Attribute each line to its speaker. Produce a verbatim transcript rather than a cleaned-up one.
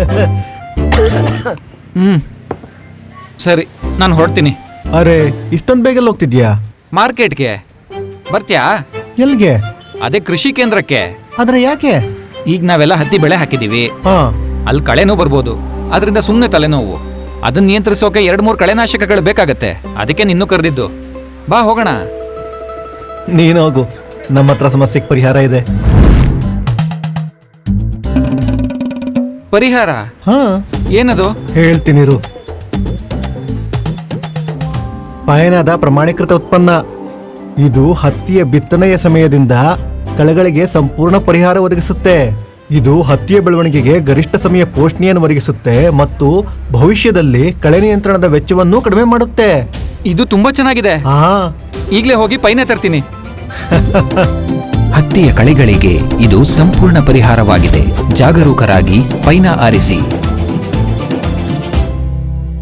Speaker 1: ಹ್ಮ್ ಸರಿ, ನಾನು ಹೊರಡ್ತೀನಿ.
Speaker 2: ಅರೆ, ಇಷ್ಟೊಂದು ಬೇಗ ಹೋಗ್ತಿದ್ಯಾ?
Speaker 1: ಮಾರ್ಕೆಟ್ಗೆ ಬರ್ತ್ಯಾ?
Speaker 2: ಎಲ್ಗೆ?
Speaker 1: ಅದೇ ಕೃಷಿ ಕೇಂದ್ರಕ್ಕೆ.
Speaker 2: ಆದ್ರೆ ಯಾಕೆ?
Speaker 1: ಈಗ ನಾವೆಲ್ಲ ಹತ್ತಿ ಬೆಳೆ ಹಾಕಿದೀವಿ,
Speaker 2: ಹಾ.
Speaker 1: ಅಲ್ಲಿ ಕಳೆನೂ ಬರ್ಬೋದು, ಅದರಿಂದ ಸುಮ್ಮನೆ ತಲೆನೋವು. ಅದನ್ನ ನಿಯಂತ್ರಿಸೋಕೆ ಎರಡ್ ಮೂರು ಕಳೆನಾಶಕಗಳು ಬೇಕಾಗತ್ತೆ. ಅದಕ್ಕೆ ನಿನ್ನೂ ಕರೆದಿದ್ದು. ಬಾ ಹೋಗೋಣ.
Speaker 2: ನೀನು ಹೋಗು, ನಮ್ಮ ಹತ್ರ ಸಮಸ್ಯೆಗೆ ಪರಿಹಾರ ಇದೆ.
Speaker 1: ಪರಿಹಾರ?
Speaker 2: ಹಾ,
Speaker 1: ಏನದು?
Speaker 2: ಹೇಳ್ತೀನಿರು. ಪಯನದ ಪ್ರಮಾಣೀಕೃತ ಉತ್ಪನ್ನ. ಇದು ಹತ್ತಿಯ ಬಿತ್ತನೆಯ ಸಮಯದಿಂದ ಕಳೆಗಳಿಗೆ ಸಂಪೂರ್ಣ ಪರಿಹಾರ ಒದಗಿಸುತ್ತೆ. ಇದು ಹತ್ತಿಯ ಬೆಳವಣಿಗೆಗೆ ಗರಿಷ್ಠ ಸಮಯ ಪೋಷಣೆಯನ್ನು ಒದಗಿಸುತ್ತೆ ಮತ್ತು ಭವಿಷ್ಯದಲ್ಲಿ ಕಳೆ ನಿಯಂತ್ರಣದ ವೆಚ್ಚವನ್ನು ಕಡಿಮೆ ಮಾಡುತ್ತೆ.
Speaker 1: ಇದು ತುಂಬಾ ಚೆನ್ನಾಗಿದೆ.
Speaker 2: ಹಾ,
Speaker 1: ಈಗಲೇ ಹೋಗಿ ಪೈನೆ ತರ್ತೀನಿ.
Speaker 3: ಹತ್ತಿಯ ಕಳೆಗಳಿಗೆ ಇದು ಸಂಪೂರ್ಣ ಪರಿಹಾರವಾಗಿದೆ. ಜಾಗರೂಕರಾಗಿ ಪೈನ ಆರಿಸಿ.